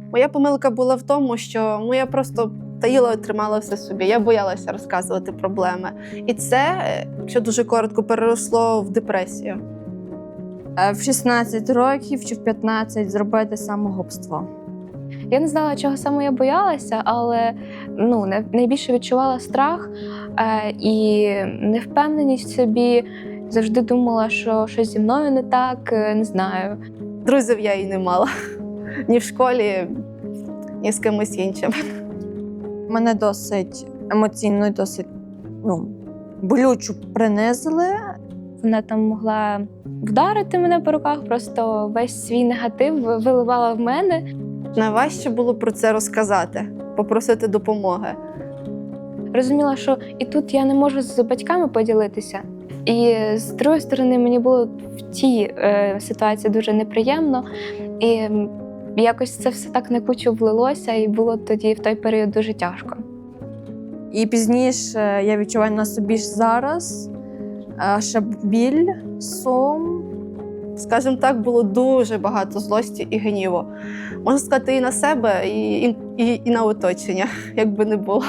Моя помилка була в тому, що я просто таїла і тримала все собі. Я боялася розказувати проблеми. І це, якщо дуже коротко, переросло в депресію. В 16 років чи в 15 зробити самогубство. Я не знала, чого саме я боялася, але найбільше відчувала страх і невпевненість в собі. Завжди думала, що щось зі мною не так, не знаю. Друзів я і не мала. Ні в школі, ні з кимось іншим. Мене досить емоційно і досить болючо принизили. Вона там могла вдарити мене по руках, просто весь свій негатив виливала в мене. Найважче було про це розказати, попросити допомоги. Розуміла, що і тут я не можу з батьками поділитися. І з другої сторони, мені було в тій ситуації дуже неприємно. І якось це все так на кучу влилося, і було тоді в той період дуже тяжко. І пізніше я відчуваю на собі ж зараз ще біль, сум. Скажімо так, було дуже багато злості і гніву. Можна сказати, і на себе, і на оточення, як би не було.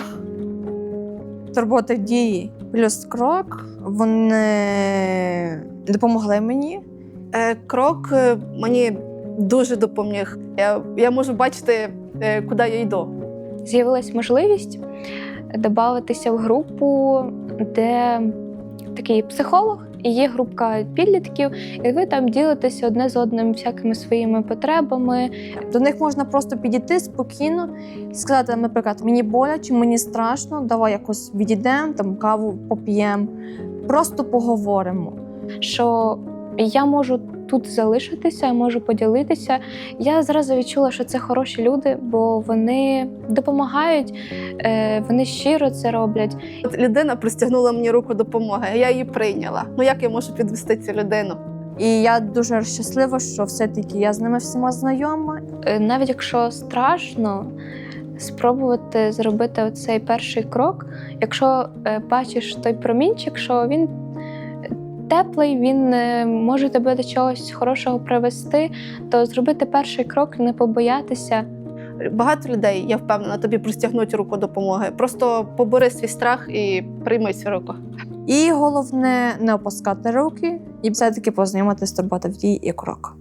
Турботи дії плюс крок, вони допомогли мені. Крок мені дуже допоміг. Я можу бачити, куди я йду. З'явилась можливість додатися в групу, де такий психолог, і є групка підлітків, і ви там ділитеся одне з одним всякими своїми потребами. До них можна просто підійти спокійно, сказати, наприклад, мені боляче, мені страшно, давай якось відійдемо, там каву поп'ємо, просто поговоримо. Що я можу тут залишитися, я можу поділитися. Я зразу відчула, що це хороші люди, бо вони допомагають, вони щиро це роблять. От людина простягнула мені руку допомоги, а я її прийняла. Як я можу підвести цю людину? І я дуже щаслива, що все-таки я з ними всіма знайома. Навіть якщо страшно, спробувати зробити оцей перший крок, якщо бачиш той промінчик, що він теплий, він може тебе до чогось хорошого привести, то зробити перший крок, не побоятися. Багато людей, я впевнена, тобі простягнуть руку допомоги. Просто побори свій страх і прийми цю руку. І головне, не опускати руки і все-таки познайомитися з турботою в дії і крок.